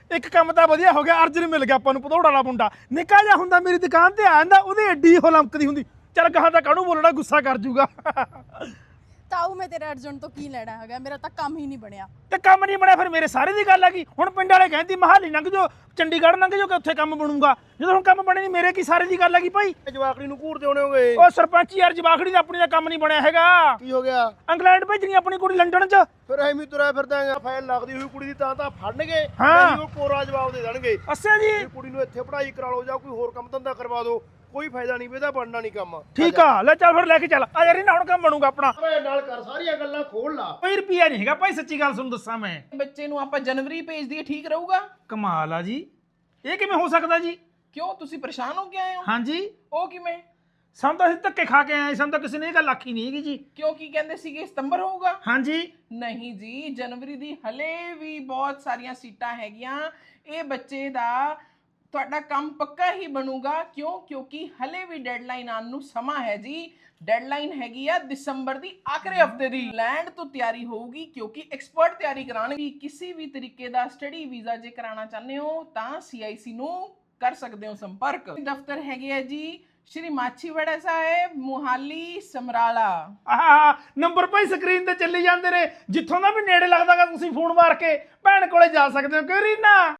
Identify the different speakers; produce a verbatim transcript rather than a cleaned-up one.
Speaker 1: ਇੱਕ ਕੰਮ ਤਾਂ ਵਧੀਆ ਹੋ ਗਿਆ, ਅਰਜਨ ਮਿਲ ਗਿਆ ਆਪਾਂ ਨੂੰ ਭਦੌੜ ਵਾਲਾ ਮੁੰਡਾ। ਨਿੱਕਾ ਜਿਹਾ ਹੁੰਦਾ ਮੇਰੀ ਦੁਕਾਨ ਤੇ ਆ ਜਾਂਦਾ, ਉਹਦੀ ਐਡੀ ਉਹ ਲਮਕਦੀ ਹੁੰਦੀ। ਚੱਲ ਕਹਾਂ ਤਾਂ ਕਾਹਨੂੰ ਬੋਲਣਾ, ਗੁੱਸਾ ਕਰ ਜੂਗਾ।
Speaker 2: ਤਾਊ ਮੈਂ ਤੇਰੇ ਅਰਜਨ ਤੋਂ ਕੀ ਲੈਣਾ ਹੈਗਾ, ਮੇਰਾ ਤਾਂ ਕੰਮ ਹੀ ਨਹੀਂ ਬਣਿਆ।
Speaker 1: ਤੇ ਕੰਮ ਨਹੀਂ ਬਣਿਆ ਫਿਰ ਮੇਰੇ ਸਾਰੇ ਦੀ ਗੱਲ ਆ ਗਈ। ਹੁਣ ਪਿੰਡ ਵਾਲੇ ਕਹਿੰਦੀ ਮਹਾਲੀ ਲੰਘ ਜਾਓ, ਚੰਡੀਗੜ੍ਹ ਲੰਘ ਜਾਓ ਕਿ ਉੱਥੇ ਕੰਮ ਬਣੂਗਾ। ਜਦੋਂ ਹੁਣ ਕੰਮ ਬਣੇ ਨਹੀਂ, ਮੇਰੇ ਕੀ ਸਾਰੇ ਦੀ ਗੱਲ ਆ ਗਈ ਭਾਈ।
Speaker 3: ਜਵਾਕੜੀ ਨੂੰ ਘੂਰਦੇ ਹੋਣੇ ਹੋਗੇ।
Speaker 1: ਉਹ ਸਰਪੰਚ ਯਾਰ, ਜਵਾਖੜੀ ਦਾ ਆਪਣੀ ਦਾ ਕੰਮ ਨਹੀਂ ਬਣਿਆ ਹੈਗਾ।
Speaker 3: ਕੀ ਹੋ ਗਿਆ?
Speaker 1: ਇੰਗਲੈਂਡ ਭੇਜਣੀ ਆਪਣੀ ਕੁੜੀ ਲੰਡਨ 'ਚ।
Speaker 3: ਫਿਰ ਐਵੇਂ ਤੁਰਿਆ ਫਿਰਦਾ ਹੈਗਾ, ਫਾਈਲ ਲੱਗਦੀ ਹੋਈ ਕੁੜੀ ਦੀ ਤਾਂ ਤਾਂ ਫੜਨਗੇ,
Speaker 1: ਹਾਂ।
Speaker 3: ਨਹੀਂ ਉਹ ਕੋਰਾ ਜਵਾਬ ਦੇ ਦੇਣਗੇ।
Speaker 1: ਅੱਛਾ ਜੀ,
Speaker 3: ਇਹ ਕੁੜੀ ਨੂੰ ਇੱਥੇ ਪੜ੍ਹਾਈ ਕਰਾ ਲਓ ਜਾਂ ਕੋਈ ਹੋਰ ਕੰਮ ਧੰਦਾ ਕਰਵਾ ਦਿਓ, ਕੋਈ ਫਾਇਦਾ ਨਹੀਂ, ਇਹਦਾ ਬਣਨਾ ਨਹੀਂ ਕੰਮ।
Speaker 1: ਠੀਕ ਆ, ਲੈ ਚੱਲ ਫਿਰ ਲੈ ਕੇ ਚੱਲ ਆ ਯਾਰ, ਇਹਨਾਂ ਹੁਣ ਕੰਮ ਬਣੂਗਾ ਆਪਣਾ।
Speaker 3: ਓਏ ਨਾਲ ਕਰ, ਸਾਰੀਆਂ ਗੱਲਾਂ ਖੋਲ ਲਾ।
Speaker 1: ਕੋਈ ਰੁਪਿਆ ਨਹੀਂ ਹੈਗਾ ਭਾਈ, ਸੱਚੀ ਗੱਲ ਤੁਹਾਨੂੰ ਦੱਸਾਂ ਮੈਂ।
Speaker 4: ਬੱਚੇ ਨੂੰ ਆਪਾਂ ਜਨਵਰੀ ਭੇਜ ਦਈਏ, ਠੀਕ ਰਹੂਗਾ?
Speaker 1: ਕਮਾਲ ਆ ਜੀ, ਇਹ ਕਿਵੇਂ ਹੋ ਸਕਦਾ ਜੀ?
Speaker 4: ਕਿਉਂ, ਤੁਸੀਂ ਪਰੇਸ਼ਾਨ ਹੋ ਕੇ ਆਏ ਹੋ?
Speaker 1: ਹਾਂਜੀ,
Speaker 4: ਉਹ ਕਿਵੇਂ?
Speaker 1: ਸਾਨੂੰ ਤਾਂ ਅਸੀਂ ਧੱਕੇ ਖਾ ਕੇ ਆਏ, ਸਾਨੂੰ ਤਾਂ ਕਿਸੇ ਨੇ ਇਹ ਗੱਲ ਆਖੀ ਨਹੀਂ ਹੈਗੀ ਜੀ।
Speaker 4: ਕਿਉਂ, ਕੀ ਕਹਿੰਦੇ ਸੀਗੇ ਸਤੰਬਰ ਹੋਊਗਾ?
Speaker 1: ਹਾਂਜੀ,
Speaker 4: ਨਹੀਂ ਜੀ, ਜਨਵਰੀ ਦੀ ਹਲੇ ਵੀ ਬਹੁਤ ਸਾਰੀਆਂ ਸੀਟਾਂ ਹੈਗੀਆਂ। ਇਹ ਬੱਚੇ ਦਾ ਤੁਹਾਡਾ ਕੰਮ ਪੱਕਾ ਹੀ ਬਣੂਗਾ। ਕਿਉਂ? ਕਿਉਂਕਿ ਹਲੇ ਵੀ ਡੈਡਲਾਈਨ ਆਉਣ ਨੂੰ ਸਮਾਂ ਹੈ ਜੀ। ਡੈਡਲਾਈਨ ਹੈਗੀ ਆ ਦਸੰਬਰ ਦੀ ਆਖਰੀ ਹਫਤੇ ਦੀ। ਲੈਂਡ ਤੋਂ ਤਿਆਰੀ ਹੋਊਗੀ ਕਿਉਂਕਿ ਐਕਸਪਰਟ ਤਿਆਰੀ ਕਰਾਉਣਗੇ। ਕਿਸੇ ਵੀ ਤਰੀਕੇ ਦਾ ਸਟੱਡੀ ਵੀਜ਼ਾ ਜੇ ਕਰਾਉਣਾ ਚਾਹੁੰਦੇ ਹੋ ਤਾਂ ਸੀ ਆਈ ਸੀ ਨੂੰ ਕਰ ਸਕਦੇ ਹੋ ਸੰਪਰਕ। ਦਫ਼ਤਰ ਹੈਗੇ ਆ ਜੀ ਸ਼੍ਰੀ ਮਾਛੀਵਾੜਾ ਸਾਹਿਬ, ਮੁਹਾਲੀ, ਸਮਰਾਲਾ।
Speaker 1: ਆਹ ਨੰਬਰ ਭਾਈ ਸਕਰੀਨ ਤੇ ਚੱਲੀ ਜਾਂਦੇ ਨੇ, ਜਿੱਥੋਂ ਦਾ ਵੀ ਨੇੜੇ ਲੱਗਦਾਗਾ ਤੁਸੀਂ ਫੋਨ ਮਾਰ ਕੇ ਭੈਣ ਕੋਲੇ ਜਾ ਸਕਦੇ ਹੋ। ਕਿ ਰੀਨਾ